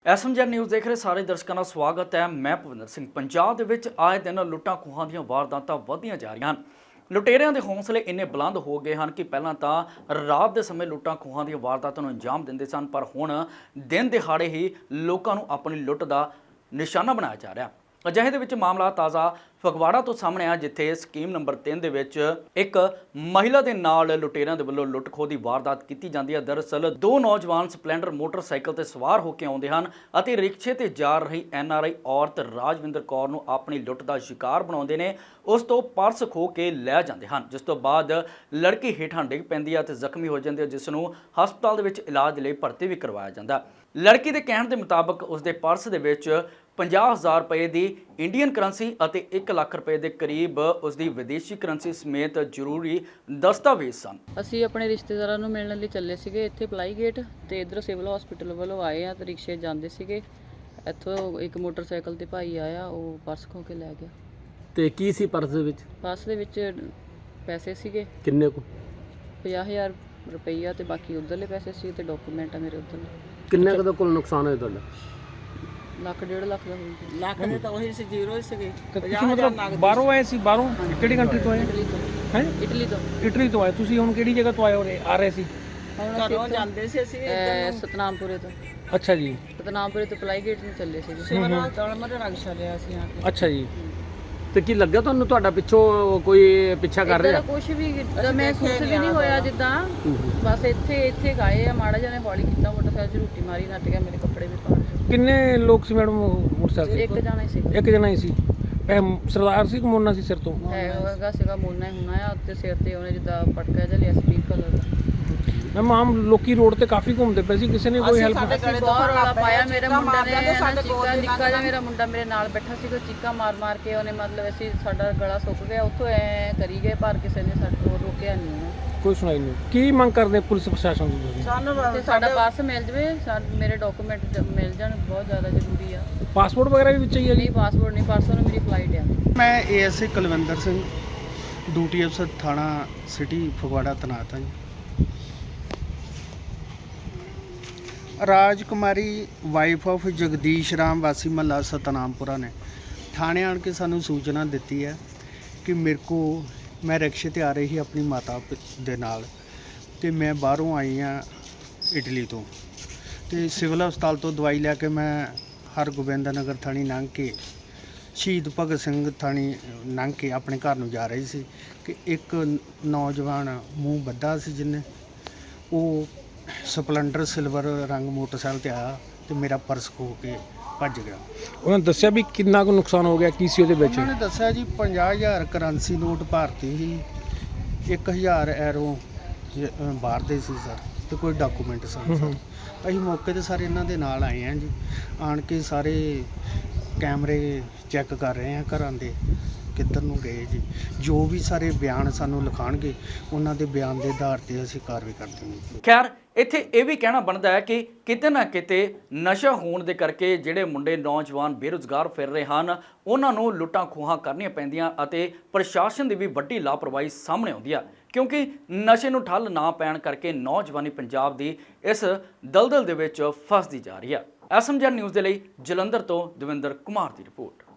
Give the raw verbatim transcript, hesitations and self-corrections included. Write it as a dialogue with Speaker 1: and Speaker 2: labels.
Speaker 1: SMG news ਦੇਖ ਰਹੇ ਸਾਰੇ ਦਰਸ਼ਕਾਂ ਦਾ ਸਵਾਗਤ ਹੈ। ਮੈਂ ਭਵਿੰਦਰ ਸਿੰਘ। ਪੰਜਾਬ ਦੇ ਵਿੱਚ ਆਏ ਦਿਨ ਲੁੱਟਾਂ ਖੋਹਾਂ ਦੀਆਂ ਵਾਰਦਾਤਾਂ ਵਧੀਆਂ ਜਾ ਰਹੀਆਂ ਹਨ। ਲੁਟੇਰਿਆਂ ਦੇ ਹੌਸਲੇ ਇੰਨੇ ਬੁਲੰਦ ਹੋ ਗਏ ਹਨ ਕਿ ਪਹਿਲਾਂ ਤਾਂ ਰਾਤ ਦੇ ਸਮੇਂ ਲੁੱਟਾਂ ਖੋਹਾਂ ਦੀਆਂ ਵਾਰਦਾਤਾਂ ਨੂੰ ਅੰਜਾਮ ਦਿੰਦੇ ਸਨ, ਪਰ ਹੁਣ ਦਿਨ ਦਿਹਾੜੇ ਹੀ ਲੋਕਾਂ ਨੂੰ ਆਪਣੀ ਲੁੱਟ ਦਾ ਨਿਸ਼ਾਨਾ ਬਣਾਇਆ ਜਾ ਰਿਹਾ। ਅਜਿਹੇ ਦੇ ਵਿੱਚ ਮਾਮਲਾ ਤਾਜ਼ਾ ਫਗਵਾੜਾ ਤੋਂ ਸਾਹਮਣੇ ਆ, ਜਿੱਥੇ ਸਕੀਮ ਨੰਬਰ ਤਿੰਨ ਦੇ ਵਿੱਚ ਇੱਕ ਮਹਿਲਾ ਦੇ ਨਾਲ ਲੁਟੇਰਿਆਂ ਦੇ ਵੱਲੋਂ ਲੁੱਟ ਖੋਹ ਦੀ ਵਾਰਦਾਤ ਕੀਤੀ ਜਾਂਦੀ ਹੈ। ਦਰਅਸਲ ਦੋ ਨੌਜਵਾਨ ਸਪਲੈਂਡਰ ਮੋਟਰਸਾਈਕਲ ਤੇ ਸਵਾਰ ਹੋ ਕੇ ਆਉਂਦੇ ਹਨ ਅਤੇ ਰਿਕਸ਼ੇ ਤੇ ਜਾ ਰਹੀ ਐਨ ਆਰ ਆਈ ਔਰਤ ਰਾਜਵਿੰਦਰ ਕੌਰ ਨੂੰ ਆਪਣੀ ਲੁੱਟ ਦਾ ਸ਼ਿਕਾਰ ਬਣਾਉਂਦੇ ਨੇ। ਉਸ ਤੋਂ ਪਰਸ ਖੋਹ ਕੇ ਲੈ ਜਾਂਦੇ ਹਨ, ਜਿਸ ਤੋਂ ਬਾਅਦ ਲੜਕੀ ਹੇਠਾਂ ਡਿੱਗ ਪੈਂਦੀ ਹੈ ਤੇ ਜ਼ਖਮੀ ਹੋ ਜਾਂਦੀ ਹੈ, ਜਿਸ ਨੂੰ ਹਸਪਤਾਲ ਦੇ ਵਿੱਚ ਇਲਾਜ ਲਈ ਭਰਤੀ ਵੀ ਕਰਵਾਇਆ ਜਾਂਦਾ। ਲੜਕੀ ਦੇ ਕਹਿਣ ਦੇ ਮੁਤਾਬਕ ਉਸਦੇ ਪਰਸ ਦੇ ਵਿੱਚ ਪੰਜਾਹ ਹਜ਼ਾਰ ਰੁਪਏ ਦੀ ਇੰਡੀਅਨ ਕਰੰਸੀ ਅਤੇ ਇੱਕ ਲੱਖ ਰੁਪਏ ਦੇ ਕਰੀਬ ਉਸਦੀ ਵਿਦੇਸ਼ੀ ਕਰੰਸੀ ਸਮੇਤ ਜ਼ਰੂਰੀ ਦਸਤਾਵੇਜ਼ ਸਨ।
Speaker 2: ਅਸੀਂ ਆਪਣੇ ਰਿਸ਼ਤੇਦਾਰਾਂ ਨੂੰ ਮਿਲਣ ਲਈ ਚੱਲੇ ਸੀਗੇ ਇੱਥੇ ਪਲਾਈ ਗੇਟ, ਤੇ ਇੱਧਰ ਸਿਵਲ ਹਸਪੀਟਲ ਵੱਲੋਂ ਆਏ ਆ ਤੇ ਰਿਕਸ਼ੇ ਜਾਂਦੇ ਸੀਗੇ। ਇੱਥੋਂ ਇੱਕ ਮੋਟਰਸਾਈਕਲ ਤੇ ਭਾਈ ਆਇਆ, ਉਹ ਪਰਸ ਖੋ ਕੇ ਲੈ ਗਿਆ।
Speaker 3: ਤੇ ਕੀ ਸੀ ਪਰਸ ਦੇ ਵਿੱਚ?
Speaker 2: ਪਰਸ ਦੇ ਵਿੱਚ ਪੈਸੇ ਸੀਗੇ
Speaker 3: ਕਿੰਨੇ ਕੁ?
Speaker 2: ਪੰਜਾਹ ਹਜ਼ਾਰ ਰੁਪਈਆ ਤੇ ਬਾਕੀ ਉਧਰਲੇ ਪੈਸੇ ਸੀ ਤੇ ਡਾਕੂਮੈਂਟ ਆ ਮੇਰੇ ਉਧਰਲੇ।
Speaker 3: ਕਿੰਨੇ ਕੁ ਦਾ ਕੁੱਲ ਨੁਕਸਾਨ ਹੋਇਆ ਤੁਹਾਡਾ?
Speaker 2: ਲੱਖ ਡੇਢ ਲੱਖ ਦਾ ਹੋਈ।
Speaker 4: ਲੱਖ ਦੇ ਤਾਂ ਉਹੀ ਸੀ, ਜ਼ੀਰੋ ਹੀ ਸੀਗੇ।
Speaker 5: ਤੁਸੀਂ ਮਤਲਬ ਬਾਹਰੋਂ ਆਏ ਸੀ? ਬਾਹਰੋਂ ਕਿਹੜੀ ਕੰਟਰੀ ਤੋਂ ਆਏ?
Speaker 2: ਇਟਲੀ ਤੋਂ।
Speaker 5: ਹੈ
Speaker 2: ਇਟਲੀ ਤੋਂ।
Speaker 5: ਇਟਲੀ ਤੋਂ ਆਏ ਤੁਸੀਂ? ਹੁਣ ਕਿਹੜੀ ਜਗ੍ਹਾ ਤੋਂ ਆਏ ਹੋ? ਆ ਰਹੇ ਸੀ?
Speaker 2: ਹੁਣ
Speaker 4: ਘਰੋਂ ਜਾਂਦੇ ਸੀ ਅਸੀਂ ਇੱਧਰ ਨੂੰ
Speaker 2: ਸਤਨਾਮਪੁਰੇ ਤੋਂ।
Speaker 5: ਅੱਛਾ ਜੀ।
Speaker 2: ਸਤਨਾਮਪੁਰੇ ਤੋਂ ਪਲਾਈ ਗੇਟ ਨੂੰ ਚੱਲੇ ਸੀਗੇ।
Speaker 4: ਸਿਵਲ ਹਸਪਤਾਲ ਮਰੇ ਰਕਸ਼ਾ ਲਿਆ ਸੀ ਆ ਕੇ।
Speaker 5: ਅੱਛਾ ਜੀ।
Speaker 3: ਤੇ ਕੀ ਲੱਗਿਆ ਤੁਹਾਨੂੰ ਤੁਹਾਡਾ ਪਿੱਛੋਂ ਕੋਈ ਪਿੱਛਾ ਕਰ ਰਿਹਾ?
Speaker 2: ਕੁਝ ਵੀ ਮਹਿਸੂਸ ਵੀ ਨਹੀਂ ਹੋਇਆ, ਜਿੱਦਾਂ ਬਸ ਇੱਥੇ ਇੱਥੇ ਗਾਏ ਆ, ਮਾੜਾ ਜਿਹਾ ਨੇ ਹੌਲੀ ਕੀਤਾ, ਮੋਟਰਸਾਈਕਲ 'ਚ ਰੋਟੀ ਮਾਰੀ, ਨੱਟ ਗਿਆ, ਮੇਰੇ ਕੱਪੜੇ ਵੀ ਪਾੜ ਗਏ।
Speaker 5: ਕਿੰਨੇ ਲੋਕ ਸੀ ਮੈਡਮ ਮੋਟਰਸਾਈਕਲ ਤੇ?
Speaker 2: ਇੱਕ ਜਾਣਾ ਹੀ ਸੀਗਾ।
Speaker 5: ਇੱਕ ਜਣਾ ਹੀ ਸੀ। ਇਹ ਸਰਦਾਰ ਸੀ ਕਿ ਮੋਨਾ ਸੀ ਸਿਰ ਤੋਂ?
Speaker 2: ਹੈਗਾ ਸੀਗਾ ਮੋਨਾ ਹੀ ਹੋਣਾ ਆ, ਉੱਤੇ ਸਿਰ ਤੇ ਉਹਨੇ ਜਿੱਦਾਂ ਪਟਕਾ ਜਿਹਾ ਲਿਆ ਸਪੀਡ ਕਲਰ ਦਾ।
Speaker 5: ਮੈਮ ਆਮ ਲੋਕੀ ਰੋਡ ਤੇ ਕਾਫੀ ਘੁੰਮਦੇ ਪਏ ਸੀ, ਕਿਸੇ ਨੇ ਕੋਈ ਹੈਲਪ?
Speaker 2: ਬਹੁਤ ਰੌਲਾ ਪਾਇਆ। ਮੇਰੇ ਮੁੰਡਾ ਨੇ ਚੀਕਾ, ਨਿੱਕਾ ਜਿਹਾ ਮੇਰਾ ਮੁੰਡਾ ਮੇਰੇ ਨਾਲ ਬੈਠਾ ਸੀ, ਕੋਈ ਚੀਕਾ ਮਾਰ ਮਾਰ ਕੇ ਉਹਨੇ ਮਤਲਬ ਅਸੀਂ ਸਾਡਾ ਗਲਾ ਸੁੱਕ ਗਿਆ, ਉੱਥੋਂ ਐ ਕਰੀ ਗਏ, ਪਰ ਕਿਸੇ ਨੇ ਸਾਡੇ ਕੋਲ ਰੋਕਿਆ ਨਹੀਂ ਉਹਨੇ।
Speaker 5: ਕੋਈ ਸੁਣਾਈ ਨਹੀਂ। ਕੀ ਮੰਗ ਕਰਦੇ ਪੁਲਿਸ ਪ੍ਰਸ਼ਾਸਨ ਤੋਂ ਤੁਸੀਂ?
Speaker 4: ਸਾਨੂੰ
Speaker 2: ਤੇ ਸਾਡਾ ਪਰਸ ਮਿਲ ਜਵੇ, ਮੇਰੇ ਡਾਕੂਮੈਂਟ ਮਿਲ ਜਾਣ, ਬਹੁਤ ਜ਼ਿਆਦਾ ਜ਼ਰੂਰੀ ਆ।
Speaker 5: ਪਾਸਪੋਰਟ ਵਗੈਰਾ ਵੀ ਵਿੱਚ ਹੀ ਹੈ ਜੀ?
Speaker 2: ਨਹੀਂ, ਪਾਸਪੋਰਟ ਨਹੀਂ, ਪਰਸੋਂ ਨੂੰ ਮੇਰੀ ਫਲਾਈਟ ਆ।
Speaker 6: ਮੈਂ A S I Kulwinder Singh, duty ਅਫਸਰ ਥਾਣਾ ਸਿਟੀ ਫਗਵਾੜਾ ਤੈਨਾਤ ਹਾਂ ਜੀ। ਰਾਜਕੁਮਾਰੀ ਵਾਈਫ ਆਫ ਜਗਦੀਸ਼ ਰਾਮ ਵਾਸੀ ਮਹੱਲਾ ਸਤਨਾਮਪੁਰਾ ਨੇ ਥਾਣੇ ਆਣ ਕੇ ਸਾਨੂੰ ਸੂਚਨਾ ਦਿੱਤੀ ਹੈ ਕਿ ਮੇਰੇ ਕੋ ਮੈਂ ਰਿਕਸ਼ੇ ਤੇ ਆ ਰਹੀ ਸੀ ਆਪਣੀ ਮਾਤਾ ਦੇ ਨਾਲ, ਤੇ ਮੈਂ ਬਾਹਰੋਂ ਆਈ ਹਾਂ ਇਟਲੀ ਤੋਂ, ਤੇ ਸਿਵਲ ਹਸਪਤਾਲ ਤੋਂ ਦਵਾਈ ਲੈ ਕੇ ਮੈਂ ਹਰਗੋਬਿੰਦ ਨਗਰ ਥਾਣੀ ਲੰਘ ਕੇ ਸ਼ਹੀਦ ਭਗਤ ਸਿੰਘ ਥਾਣੀ ਲੰਘ ਕੇ ਆਪਣੇ ਘਰ ਨੂੰ ਜਾ ਰਹੀ ਸੀ ਕਿ ਇੱਕ ਨੌਜਵਾਨ ਮੂੰਹ ਬੱਧਾ ਸੀ, ਜਿਹਨੇ ਉਹ ਸਪਲੈਂਡਰ ਸਿਲਵਰ ਰੰਗ ਮੋਟਰਸਾਈਕਲ ਤੇ ਆਇਆ ਤੇ ਮੇਰਾ ਪਰਸ ਖੋਹ ਕੇ ਭੱਜ ਗਿਆ।
Speaker 5: ਉਹਨਾਂ ਨੇ ਦੱਸਿਆ ਵੀ ਕਿੰਨਾ ਕੁ ਨੁਕਸਾਨ ਹੋ ਗਿਆ, ਕੀ ਸੀ ਉਹਦੇ ਵਿੱਚ?
Speaker 6: ਉਹਨਾਂ ਨੇ ਦੱਸਿਆ ਜੀ ਪੰਜਾਹ ਹਜ਼ਾਰ ਕਰੰਸੀ ਨੋਟ ਭਾਰਤੀ ਸੀ, ਇੱਕ ਹਜ਼ਾਰ ਐਰੋ ਬਾਹਰ ਦੇ ਸੀ ਸਰ, ਤੇ ਕੋਈ ਡਾਕੂਮੈਂਟ ਸਨ ਸਰ। ਅਸੀਂ ਮੌਕੇ ਤੇ ਸਾਰੇ ਇਹਨਾਂ ਦੇ ਨਾਲ ਆਏ ਹਾਂ ਜੀ, ਆਣ ਕੇ ਸਾਰੇ ਕੈਮਰੇ ਚੈੱਕ ਕਰ ਰਹੇ ਹਾਂ ਘਰਾਂ ਦੇ ਕਿੱਧਰ ਨੂੰ ਗਏ ਜੀ। ਜੋ ਵੀ ਸਾਰੇ ਬਿਆਨ ਸਾਨੂੰ ਲਿਖਾਣਗੇ, ਉਹਨਾਂ ਦੇ ਬਿਆਨ ਦੇ ਆਧਾਰ ਤੇ ਅਸੀਂ ਕਾਰਵਾਈ ਕਰ ਦੇਵਾਂਗੇ।
Speaker 1: ਖੈਰ, ਇੱਥੇ ਇਹ ਵੀ ਕਹਿਣਾ ਬਣਦਾ ਹੈ ਕਿ ਕਿਤੇ ਨਾ ਕਿਤੇ ਨਸ਼ਾ ਹੋਣ ਦੇ ਕਰਕੇ ਜਿਹੜੇ ਮੁੰਡੇ ਨੌਜਵਾਨ ਬੇਰੁਜ਼ਗਾਰ ਫਿਰ ਰਹੇ ਹਨ, ਉਹਨਾਂ ਨੂੰ ਲੁੱਟਾਂ ਖੋਹਾਂ ਕਰਨੀਆਂ ਪੈਂਦੀਆਂ ਅਤੇ ਪ੍ਰਸ਼ਾਸਨ ਦੀ ਵੀ ਵੱਡੀ ਲਾਪਰਵਾਹੀ ਸਾਹਮਣੇ ਆਉਂਦੀ ਆ, ਕਿਉਂਕਿ ਨਸ਼ੇ ਨੂੰ ਠੱਲ ਨਾ ਪੈਣ ਕਰਕੇ ਨੌਜਵਾਨੀ ਪੰਜਾਬ ਦੀ ਇਸ ਦਲਦਲ ਦੇ ਵਿੱਚ ਫਸਦੀ ਜਾ ਰਹੀ ਆ। ਐਸਐਮਜੀ ਨਿਊਜ਼ ਦੇ ਲਈ ਜਲੰਧਰ ਤੋਂ ਦਵਿੰਦਰ ਕੁਮਾਰ ਦੀ ਰਿਪੋਰਟ।